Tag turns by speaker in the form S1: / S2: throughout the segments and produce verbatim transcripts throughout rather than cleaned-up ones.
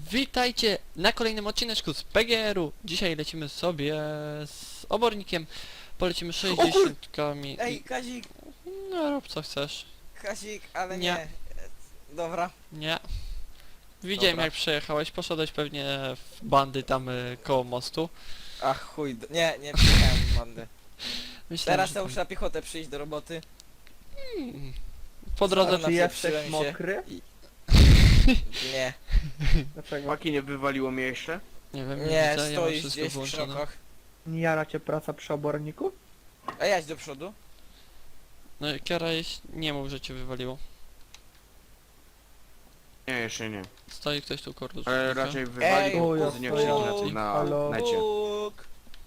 S1: Witajcie na kolejnym odcineczku z P G R-u. Dzisiaj lecimy sobie z obornikiem. Polecimy sześćdziesiątkami.
S2: Ej, Kazik,
S1: No rób co chcesz.
S2: Kazik, ale
S1: Nie.
S2: nie. E, Dobra.
S1: Nie. Widziałem
S2: Dobra.
S1: jak przejechałeś, poszedłeś pewnie w bandy tam y, koło mostu.
S2: Ach chuj, d- nie, nie przyjechałem w bandę.
S1: Myślałem,
S2: Teraz
S1: że
S2: to
S1: tam-
S2: muszę na piechotę przyjść do roboty.
S1: Hmm. Po drodze...
S2: Sorry.
S3: Czy jesteś
S2: Napieprzyłem się.
S3: mokry?
S2: Nie,
S3: Dlaczego?
S4: Paki nie wywaliło mnie jeszcze?
S1: Nie wiem, nie,
S2: nie,
S1: widzę, ja mam
S2: stoisz
S1: wszystko
S2: gdzieś w
S1: włączone.
S2: krzokach.
S3: Nie jara cię praca przy oborniku?
S2: A jadź do przodu.
S1: No i Kiara jeś- nie mów, że cię wywaliło.
S4: Nie, jeszcze nie.
S1: Stoi ktoś tu koło
S4: Ale
S1: różnika.
S4: raczej
S2: Ej,
S4: wywalił,
S3: Bóg,
S4: bo nie
S3: Bóg,
S4: wszedł na,
S3: halo.
S4: na necie.
S2: Bóg.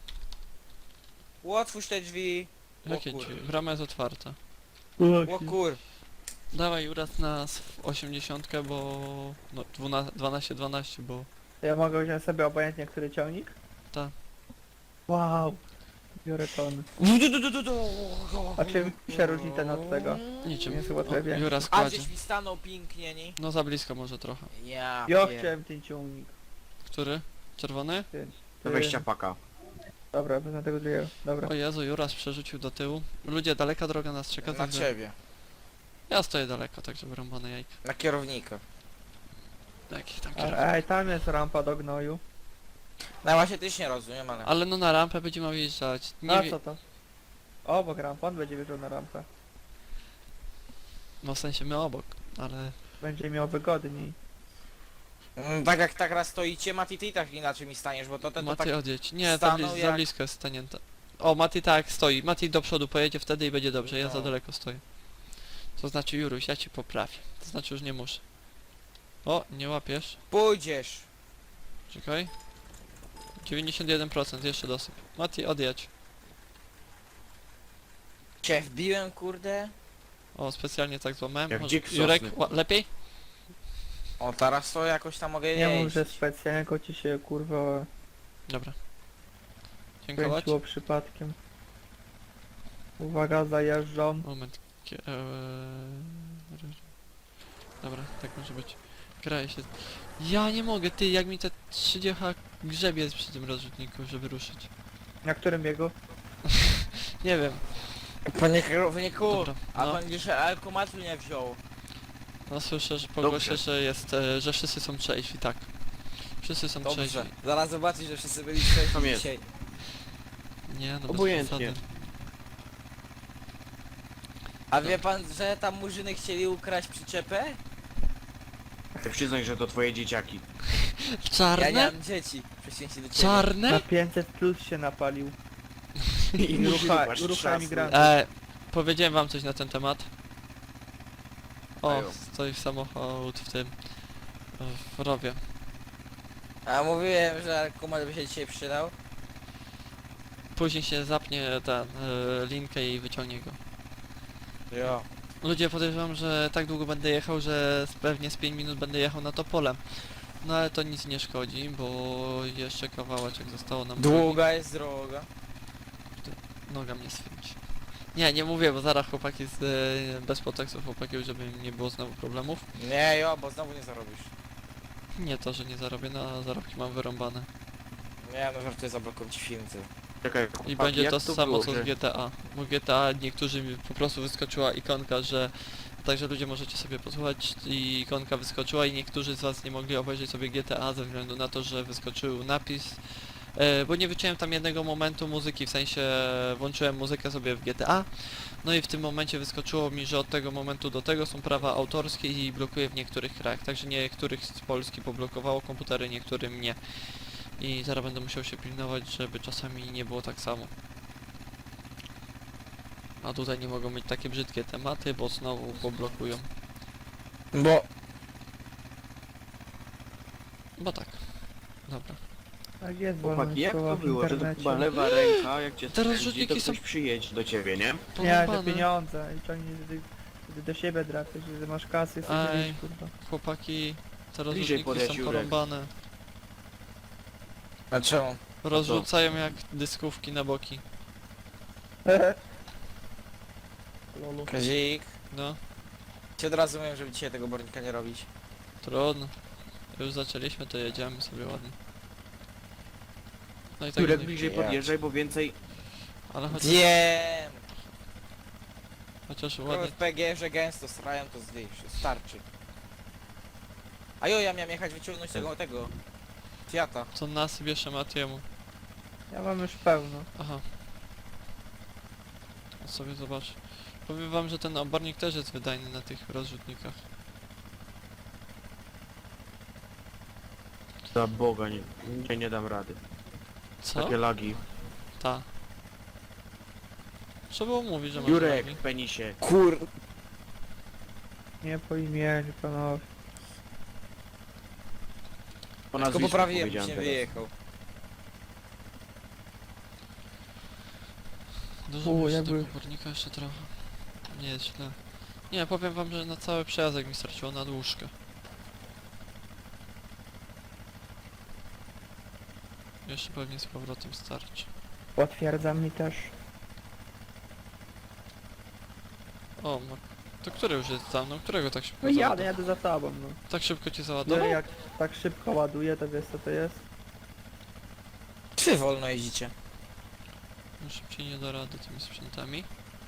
S2: Otwórz te drzwi.
S1: Jakie
S2: o kur-
S1: ci? Brama jest otwarta.
S2: O kur...
S1: Dawaj uraz nas w osiemdziesiątkę, bo... No dwanaście dwanaście, bo...
S3: Ja mogę wziąć sobie obojętnie który ciągnik?
S1: Tak.
S3: Wow. Biorę ton. A czym się różni ten od tego?
S1: Niczym.
S3: Nie chyba trochę
S1: O,
S3: więcej.
S1: Jura
S2: A
S1: składzie.
S2: gdzieś mi stanął pięknie, nie?
S1: No za blisko może trochę.
S2: Ja,
S3: Ja
S2: pier-
S3: chciałem ten ciągnik.
S1: Który? Czerwony?
S3: Więc,
S4: Do wejścia paka.
S3: Dobra, wezmę tego drugiego. Dobra.
S1: O Jezu, Juras przerzucił do tyłu. Ludzie, daleka droga nas czeka,
S2: Na
S1: także...
S2: ciebie.
S1: Ja stoję daleko, także wyrąbane jajka.
S2: Na kierownika.
S1: Jakich tam
S3: A,
S1: kierowców.
S3: ej, tam jest rampa do gnoju.
S2: No właśnie też nie rozumiem, ale...
S1: Ale no na rampę będzie miał wjeżdżać. Nie
S3: A
S1: wie...
S3: co to? Obok rampa, on będzie wjeżdżał na rampę.
S1: No w sensie my obok, ale...
S3: Będzie miał wygodniej.
S2: Mm, Tak jak tak raz stoicie, Mati, ty i tak inaczej mi staniesz, bo to ten to
S1: Mati
S2: tak...
S1: odjedź. Nie, za,
S2: stanął
S1: blis za
S2: jak-
S1: blisko jest stanięta. O, Mati tak, stoi. Mati do przodu pojedzie wtedy i będzie dobrze, ja
S2: No.
S1: za daleko stoję. To znaczy Juruś, ja ci poprawię. To znaczy już nie muszę. O, nie łapiesz.
S2: Pójdziesz.
S1: Czekaj. dziewięćdziesiąt jeden procent, jeszcze dosyp. Mati, odjedź.
S2: Cię wbiłem, kurde.
S1: O, specjalnie tak złamałem.
S4: Jak
S1: Może-
S4: dzik
S1: Jurek,
S4: sosny.
S1: ła- lepiej?
S2: O, teraz to jakoś tam mogę
S3: Nie mów,
S2: jeść.
S3: że specjalnie tylko ci się kurwa
S1: Dobra. Dziękować.
S3: kręciło przypadkiem. Uwaga, zajeżdżam.
S1: Moment. Kie- eee, Dobra, tak może być. Kraje się... Ja nie mogę, ty, jak mi te trzydzieści grzebie przy tym rozrzutniku, żeby ruszyć.
S3: Na którym biegu?
S1: Nie wiem.
S2: Panie kierowniku,
S1: Dobra,
S2: a
S1: no.
S2: pan jeszcze alkomatu nie wziął.
S1: No słyszę, że po głosie, że jest, e, że wszyscy są trzeźwi, tak. Wszyscy są
S2: Dobrze,
S1: trzeźwi.
S2: zaraz zobaczysz, że wszyscy byli trzeźwi
S4: Tam jest.
S2: dzisiaj.
S1: Nie, no bez
S4: Obojętnie.
S1: przesady.
S2: A wie pan, że tam murzyny chcieli ukraść przyczepę?
S4: Ty przyznaj, że to twoje dzieciaki.
S1: W
S2: Ja
S1: czarne?
S2: nie mam dzieci, przeciwnie do ciebie.
S3: Na
S1: Czarne?
S3: pięćset plus się napalił.
S4: I
S3: I rucha,
S4: masz
S3: rucha
S4: trzasy.
S3: emigrantów.
S1: E, powiedziałem wam coś na ten temat. O,
S4: Ajo.
S1: stoi samochód w tym... w rowie.
S2: A mówiłem, że alkomat by się dzisiaj przydał.
S1: Później się zapnie ten, e, linkę i wyciągnie go.
S2: Jo.
S1: Ludzie podejrzewam, że tak długo będę jechał, że z- pewnie z pięć minut będę jechał na to pole. No ale to nic nie szkodzi, bo jeszcze kawałeczek zostało nam.
S2: Długa jest droga.
S1: Noga mnie swędzi. Nie, nie mówię, bo zaraz chłopaki z, e, bez podtekstów chłopaki, żeby nie było znowu problemów.
S2: Nie jo, bo znowu nie zarobisz.
S1: Nie to, że nie zarobię, na zarobki mam wyrąbane.
S2: Nie no, żartuję, zablokuję ci film, ty.
S4: Czekaj,
S1: I
S4: chłopaki,
S1: będzie
S4: jak
S1: to samo
S4: było,
S1: co
S4: że-
S1: z G T A. Bo G T A niektórzy mi po prostu wyskoczyła ikonka, że... Także ludzie możecie sobie posłuchać i ikonka wyskoczyła i niektórzy z was nie mogli obejrzeć sobie G T A ze względu na to, że wyskoczył napis. E, bo nie wyciąłem tam jednego momentu muzyki, w sensie włączyłem muzykę sobie w G T A. No i w tym momencie wyskoczyło mi, że od tego momentu do tego są prawa autorskie i blokuje w niektórych krajach. Także niektórych z Polski poblokowało komputery, niektórym nie. I zaraz będę musiał się pilnować, żeby czasami nie było tak samo. A tutaj nie mogą mieć takie brzydkie tematy, bo znowu poblokują.
S2: Bo...
S1: Bo tak. Dobra.
S3: Tak jest,
S4: Chłopaki, jak to
S3: wolność
S4: było,
S3: w
S4: że to
S3: internecie.
S4: chyba lewa ręka, jak cię
S1: Te
S4: skręci,
S1: rozrzutniki
S4: to
S1: są-
S4: ktoś przyjedzie do ciebie, nie?
S3: Nie,
S1: Porąbane.
S3: że pieniądze i ciągnie wtedy, wtedy do siebie drapiesz, że masz kasy, sobie
S1: Ej.
S3: wiesz, kurwa.
S1: Chłopaki, te
S4: Bliżej
S1: rozrzutniki
S4: podjedź,
S1: są
S4: Jurek.
S1: porąbane.
S2: A czemu?
S1: Rozrzucają jak dyskówki na boki.
S3: Lolu.
S2: Kazik.
S1: No,
S2: Ci od razu mówiłem, żeby dzisiaj tego bornika nie robić.
S1: trudno. Już zaczęliśmy, to jedziemy sobie ładnie. No i tak,
S4: Jurek
S1: nie-
S4: bliżej
S2: jechać.
S4: podjeżdżaj, bo więcej...
S1: ale chociaż,
S2: Wiem!
S1: chociaż
S2: Trochę
S1: ładnie.
S2: w P G, że gęsto srają, to zdjęć, starczy. A jo, ja miałem jechać wyciągnąć tego, tego... Fiata.
S1: Co nas bierze Matiemu.
S3: Ja mam już pełno.
S1: Aha. Ja sobie zobacz. Powiem wam, że ten obornik też jest wydajny na tych rozrzutnikach.
S4: Za Boga, nie, nie, nie dam rady.
S1: Co?
S4: Takie lagi.
S1: Ta. Trzeba było mówić, że masz
S4: Jurek,
S1: lagi.
S4: penisie.
S2: Kur...
S3: Nie po imieniu, panowie.
S4: Po
S2: Tylko
S4: nazwisku
S2: poprawiłem,
S4: powiedziałem
S2: się
S4: teraz.
S2: wyjechał.
S1: Dużo
S3: U,
S1: mi się
S3: jakby-
S1: tego obornika jeszcze trochę. Nie jest źle. Nie, powiem wam, że na cały przejazdek mi straciło na dłużkę. Jeszcze pewnie z powrotem starczy.
S3: Potwierdzam mi też.
S1: O, ma... to który już jest za mną? Którego tak szybko
S3: No jadę,
S1: załadował?
S3: jadę za tobą, no.
S1: Tak szybko cię
S3: No
S1: załadował?
S3: jak tak szybko ładuje, to wiesz co to jest?
S2: Czy wolno jeździcie?
S1: No szybciej nie da rady tymi sprzętami.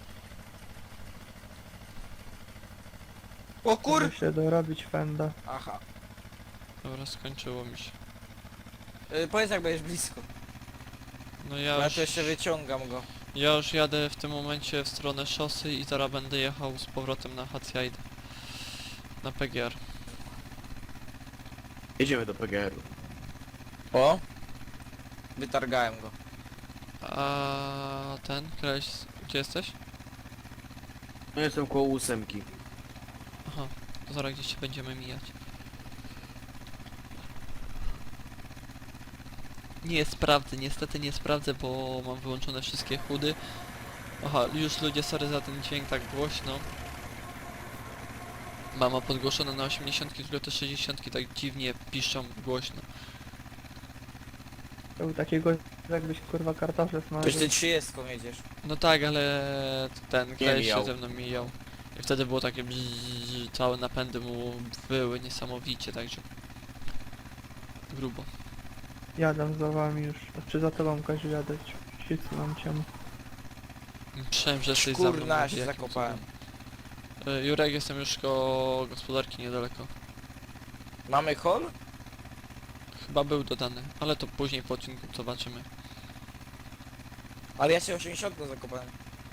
S2: O kur...
S3: Muszę dorobić fenda.
S2: Aha.
S1: Dobra, skończyło mi się.
S2: Y, powiedz jak będziesz blisko.
S1: No
S2: Ja,
S1: ja
S2: ja
S1: już,
S2: tu jeszcze wyciągam go.
S1: ja już jadę w tym momencie w stronę szosy i zaraz będę jechał z powrotem na Hatsjajdę. Na P G R.
S4: Jedziemy do P G R-u.
S2: O! Wytargałem go.
S1: A ten, Kreś, gdzie jesteś?
S4: No jestem koło ósemki.
S1: Aha, to zaraz gdzieś się będziemy mijać. Nie sprawdzę, niestety nie sprawdzę, bo mam wyłączone wszystkie chudy. Aha, już ludzie, sorry za ten dźwięk tak głośno. Mama podgłoszone na osiemdziesiąt, tylko te sześćdziesiąt tak dziwnie piszą głośno.
S3: To był takiego, jakbyś kurwa kartofle
S2: Przecież
S3: smażył.
S2: ty trzydziestką jedziesz.
S1: No tak, ale ten Kreś się
S4: mijał.
S1: ze mną mijał. I wtedy było takie bzzz, całe napędy mu były niesamowicie, także grubo.
S3: Jadę za wami już. Czy za tobą Kaziu jadę? Sicy mam cię.
S1: Myślałem, że jesteś za mną.
S2: Kurna,
S1: mówię,
S2: się
S1: jakim
S2: zakopałem.
S1: cudem. Y, Jurek, jestem już koło gospodarki niedaleko.
S2: Mamy hol?
S1: Chyba był dodany, ale to później po odcinku zobaczymy.
S2: Ale ja się osiemdziesiąt zakopałem.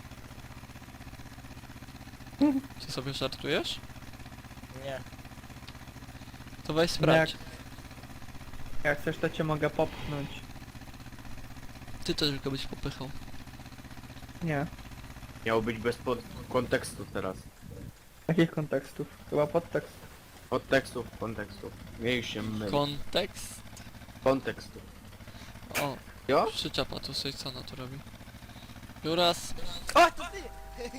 S1: Ty sobie żartujesz?
S2: Nie.
S1: To weź sprawdź.
S3: Jak, jak chcesz to cię mogę popchnąć.
S1: Ty też tylko byś popychał.
S3: Nie.
S4: Miało być bez pod... kontekstu teraz.
S3: Jakich kontekstów? Chyba podtekst.
S4: Podtekstów, kontekstów. Miej się myl.
S1: Kontekst.
S4: Kontekstu.
S1: O,
S4: Jo?
S1: przyczepa tu sobie co ona tu robi. Juras.
S2: O, to ty!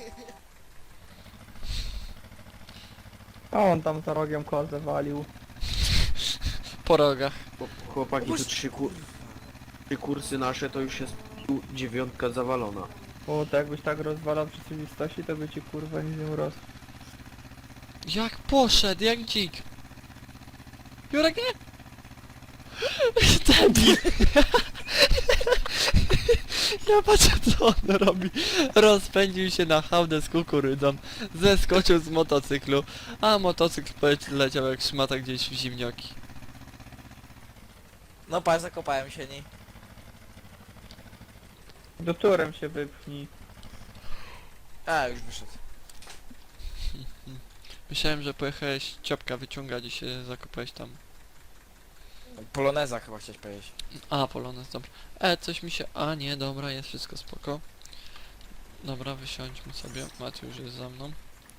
S3: A on tam za rogiem kozę walił.
S1: Po rogach.
S4: Chłop- Chłopaki, tu trzy, kur... trzy kursy nasze, to już jest tu dziewiątka zawalona.
S3: O, to jakbyś tak rozwalał w rzeczywistości, to by ci kurwa nic nie urosł.
S1: Jak poszedł, jak dzik. Jurek nie? Debil. Ja patrzę co on robi. Rozpędził się na hałdę z kukurydzą. Zeskoczył z motocyklu. A motocykl poleciał jak szmata gdzieś w zimnioki.
S2: No patrz, zakopałem się niej.
S3: Do turem się wypchnij.
S2: A, już wyszedł.
S1: Myślałem, że pojechałeś ciopka wyciągać i się zakopałeś tam.
S2: Poloneza chyba chciałeś powiedzieć.
S1: A, Polonez, dobra. E, coś mi się... A, nie, dobra, jest wszystko spoko. Dobra, wysiądźmy sobie. Maty już jest za mną.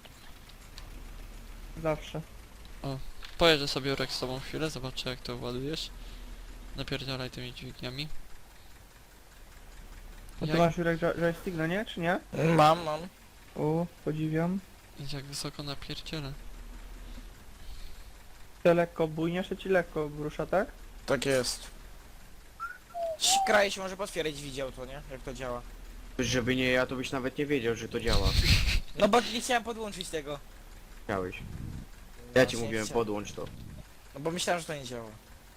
S3: Zawsze.
S1: Pojeżdżę sobie Jurek z tobą chwilę, zobaczę jak to ładujesz. Napierdzielaj tymi dźwigniami.
S3: A ty
S1: Jak,
S3: masz Jurek jo- joystick, no nie? Czy nie?
S2: Mam, mam.
S3: O, podziwiam.
S1: jak wysoko napierdzielę.
S3: Ty lekko bujniesz, to ci lekko rusza, tak?
S2: Tak jest. Kraje się może potwierdzić, widział to, nie? Jak to działa.
S4: Żeby nie ja, to byś nawet nie wiedział, że to działa.
S2: No bo nie chciałem podłączyć tego.
S4: Chciałeś. Ja ci
S2: Właśnie
S4: mówiłem,
S2: chciałem.
S4: podłącz to.
S2: No bo myślałem, że to nie działa.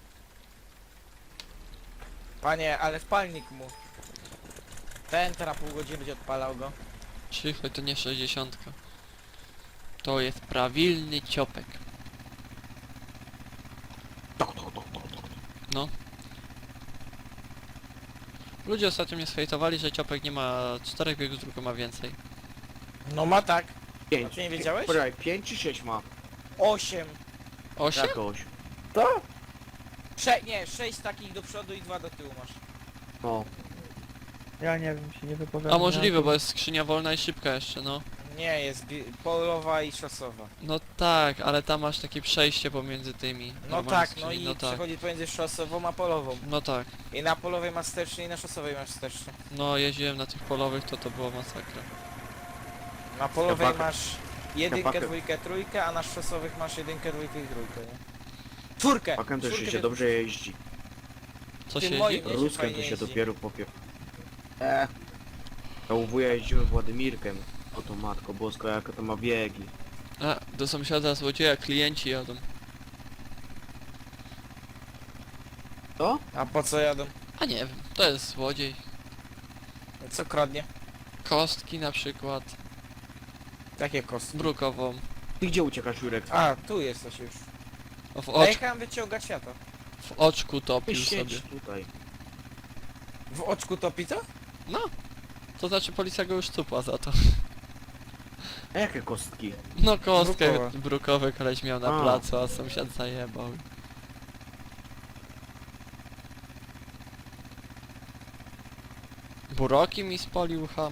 S2: Panie, ale wpalnik mu. Ten teraz pół godziny będzie odpalał go.
S1: Cicho, to nie sześćdziesiątka. To jest prawilny ciopek. No. Ludzie ostatnio mnie sfejtowali, że ciopek nie ma czterech biegów, tylko ma więcej.
S2: No ma tak.
S4: Pięć.
S2: A ty nie wiedziałeś?
S4: Poczekaj, pięć czy sześć ma?
S2: Osiem.
S1: Osiem?
S4: Jakoś.
S3: Co?
S2: Sze nie, sześć takich do przodu i dwa do tyłu masz.
S4: No.
S3: Ja nie wiem, się nie wypowiadam.
S1: A możliwe, bo jest skrzynia wolna i szybka jeszcze, no.
S2: Nie, jest bi- polowa i szosowa.
S1: No tak, ale tam masz takie przejście pomiędzy tymi.
S2: No
S1: normalnie
S2: tak,
S1: skrzyni,
S2: no i
S1: no tak.
S2: przechodzi pomiędzy szosową a polową.
S1: No tak.
S2: I na polowej masz wstecznie i na szosowej masz wstecznie.
S1: No jeździłem na tych polowych, to to była masakra.
S2: Na polowej
S4: Kapakę.
S2: masz jedynkę,
S4: Kapakę.
S2: dwójkę, trójkę, a na szosowych masz jedynkę, dwójkę i trójkę, nie? Czwórkę!
S4: Pakem też
S2: Czwórkę
S4: się
S2: wy-
S4: dobrze jeździ.
S1: Co
S2: Tym
S1: się
S2: moim
S1: jeździ?
S2: Nie, się
S4: Ruskiem
S2: fajnie
S4: to się
S2: jeździ.
S4: dopiero popie... Eee. Ja u wuja jeździłem Władimirkiem. O to matko bosko, jaka to ma biegi.
S1: A, do sąsiada złodzieja klienci jadą.
S4: To?
S2: A po co jadą?
S1: A nie wiem, to jest złodziej.
S2: Co kradnie?
S1: Kostki na przykład,
S2: Jakie kostki?
S1: brukową.
S4: Ty gdzie uciekasz, Jurek?
S2: A, tu jesteś już.
S1: O, w,
S2: Ja
S1: ocz,
S2: jechałem wyciągać światło.
S1: w oczku
S4: Ty
S1: topił
S4: siedź
S1: sobie.
S4: tutaj.
S2: W oczku topi to?
S1: No, to znaczy policja go już cupła za to.
S4: A jakie kostki?
S1: No kostkę
S2: Brukowe.
S1: brukowy koleś miał na
S4: A.
S1: placu, a sąsiad zajebał. Buroki mi spolił ham.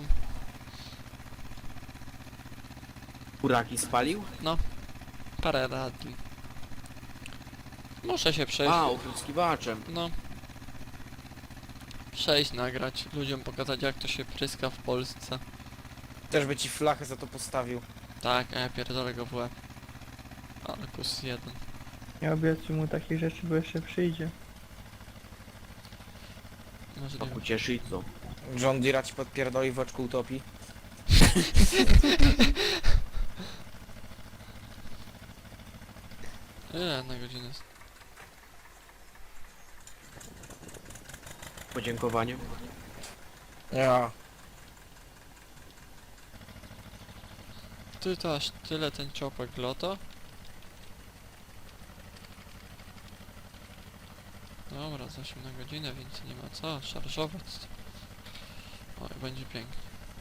S4: Kuraki spalił?
S1: Parę radli. Muszę się przejść.
S4: A, opryskiwaczem.
S1: No. Przejść, nagrać, ludziom pokazać jak to się pryska w Polsce.
S2: Też by ci flachę za to postawił.
S1: Tak, a ja pierdolę go w łeb. Ale kus jeden.
S3: Nie obiecuj mu takich rzeczy, bo jeszcze przyjdzie.
S1: Możliwe.
S4: Paku cieszy i co?
S2: John Deere ci podpierdoli w oczku utopi.
S1: Ile na godzinę jest?
S4: Podziękowanie.
S2: Ja.
S1: Ty to aż tyle ten ciopek loto? Dobra, z osiem na godzinę, więc nie ma co szarżować. Oj, będzie pięknie.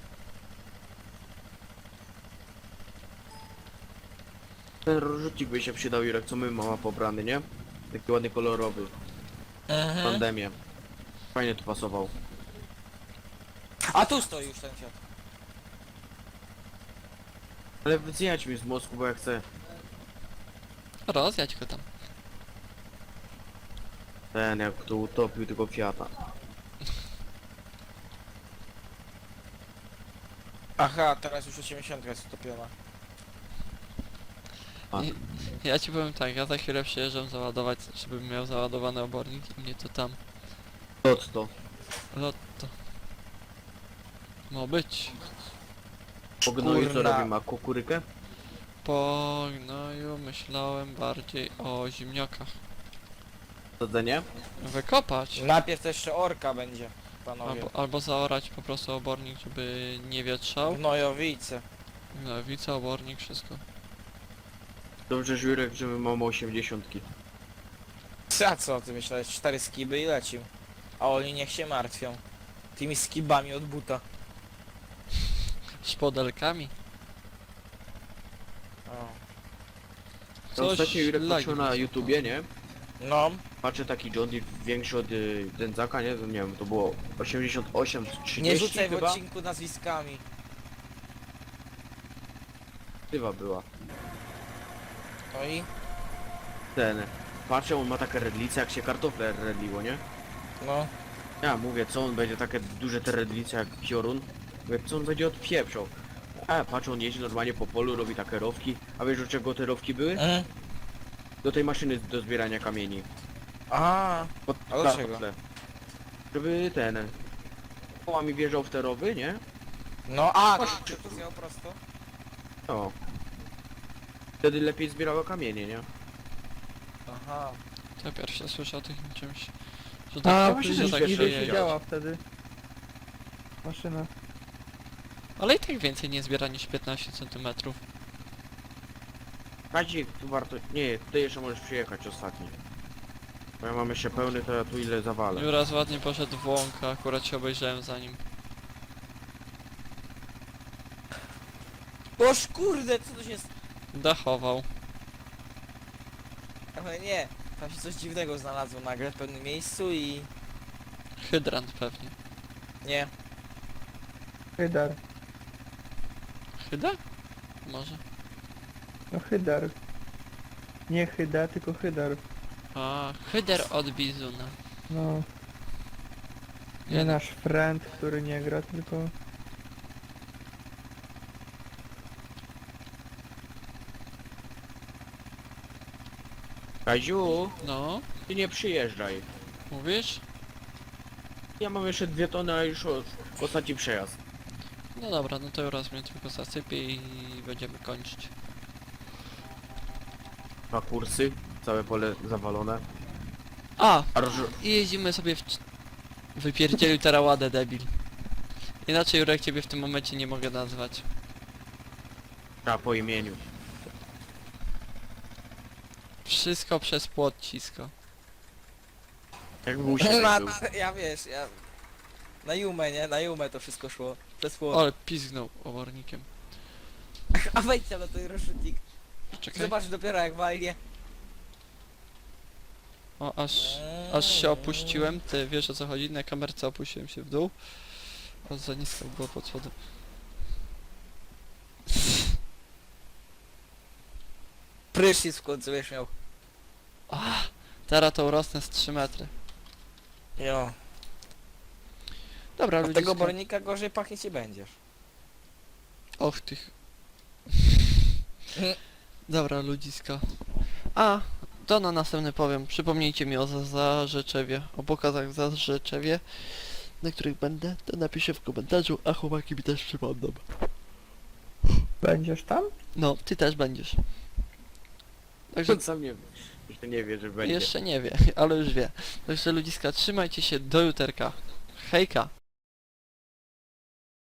S4: Ten rozrzutnik by się przydał, Jurek, co my mama pobrany, nie? Taki ładny, kolorowy.
S2: Mhm.
S4: Pandemię. Fajnie tu pasował.
S2: A tu stoi już ten świat.
S4: Ale wyceniać mi z mózgu, bo ja chcę
S1: Rozjadź go tam.
S4: ten, jak to utopił tego Fiata.
S2: Aha, teraz już osiemdziesiąt jest utopiona.
S4: A.
S1: I, ja ci powiem tak, ja za chwilę przyjeżdżam załadować, żebym miał załadowany obornik i mnie to tam.
S4: To co to?
S1: Lotto. Ma być.
S4: Po gnoju co
S2: Kurna.
S4: robi? Ma kukurykę?
S1: Po gnoju myślałem bardziej o ziemniakach.
S4: Sadzenie?
S1: Wykopać.
S2: Najpierw to jeszcze orka będzie, panowie.
S1: Albo, albo zaorać po prostu obornik, żeby nie wietrzał.
S2: Gnojowice.
S1: No, wica, obornik, wszystko.
S4: Dobrze, Jurek, że my mamy osiemdziesiątki.
S2: A co ty myślałeś? Cztery skiby i lecił. A oni niech się martwią. Tymi skibami od buta.
S1: Szpodelkami.
S2: O.
S4: To ostatnio Jurek
S1: lagi
S4: patrzył na
S1: mi
S4: YouTubie, nie?
S2: No,
S4: Patrzę taki John Deere większy od y, Dędzaka, nie? To nie wiem, to było osiemdziesiąt osiem,
S2: nie
S4: trzydzieści
S2: rzucaj w
S4: chyba?
S2: odcinku nazwiskami.
S4: Chyba była.
S2: No i?
S4: Ten. Patrzę, on ma takie redlice, jak się kartofle redliło, nie?
S2: No.
S4: Ja mówię, co on będzie takie duże te redlice jak piorun? Mówię, co on będzie odpieprzał? A patrzę, on jeździ normalnie po polu, robi takie rowki. A wiesz, do czego te rowki były?
S2: Mm.
S4: Do tej maszyny do zbierania kamieni.
S2: A,
S4: Pod
S2: A do czego?
S4: kartofle. Żeby ten... Kołami wjeżdżał w te rowy, nie?
S2: no a, to, to zjał prosto.
S4: No. Wtedy lepiej zbierało kamienie, nie?
S2: Aha.
S1: To ja pierwszy słyszę o takim czymś. Że
S3: A,
S1: tak,
S4: właśnie
S1: że
S4: też
S1: tak
S4: pierwszy
S3: niby
S1: się
S3: się
S1: jedzie.
S3: działa wtedy. Maszyna.
S1: Ale i tak więcej nie zbiera niż piętnaście centymetrów.
S4: Kazik, tu warto... Nie, ty jeszcze możesz przyjechać ostatni. Bo ja mam jeszcze pełny, to ja tu ile zawalę.
S1: Juras ładnie poszedł w łąkę, akurat się obejrzałem za nim.
S2: Boż kurde, co tu się... s-
S1: Dachował.
S2: Ale nie, tam się coś dziwnego znalazło nagle w pewnym miejscu i...
S1: Hydrant pewnie.
S2: Nie.
S3: Hydar.
S1: Hyda? Może.
S3: No hydar. Nie hyda, tylko hydar.
S1: A, hyder od bizuna.
S3: No. Nie nasz friend, który nie gra, tylko...
S4: Kaziu,
S1: No,
S4: ty nie przyjeżdżaj.
S1: mówisz?
S4: Ja mam jeszcze dwie tony, a już o- ostatni przejazd.
S1: No dobra, no to Juras mnie tylko zasypie i będziemy kończyć.
S4: Dwa kursy, całe pole zawalone.
S1: A!
S4: A roż...
S1: I jeździmy sobie w... c- Wypierdzielił teraładę, debil. Inaczej Jurek ciebie w tym momencie nie mogę nazwać.
S4: A, po imieniu.
S1: Wszystko przez płot cisko.
S4: Jak musi
S2: Na,
S4: tak był.
S2: ja wiesz, ja... Na Jumę, nie? Na Jumę to wszystko szło. Przez płot.
S1: Ale pizgnął obornikiem.
S2: A wejdź tam na ten rozrzutnik.
S1: Czekaj.
S2: Zobacz dopiero jak walnie.
S1: O, aż... Aż się opuściłem, ty wiesz o co chodzi, na kamerce opuściłem się w dół. O, za nisko było pod spodem.
S2: Prysznic w końcu wiesz miał.
S1: Ah, teraz to urosnę z trzy metry.
S2: Jo.
S1: Dobra,
S2: Od tego
S1: ludziska.
S2: bornika gorzej pachnieć nie będziesz.
S1: Och tych. Dobra, ludziska. A, to na następny powiem. Przypomnijcie mi o za- Zarzeczewie, o pokazach w Zarzeczewie, na których będę, to napiszę w komentarzu, a chłopaki mi też przypomną.
S3: Będziesz tam?
S1: No, ty też będziesz. Także
S4: On sam nie, jeszcze nie wie, że będzie.
S1: jeszcze nie wie, ale już wie. Także ludziska, trzymajcie się do juterka. Hejka!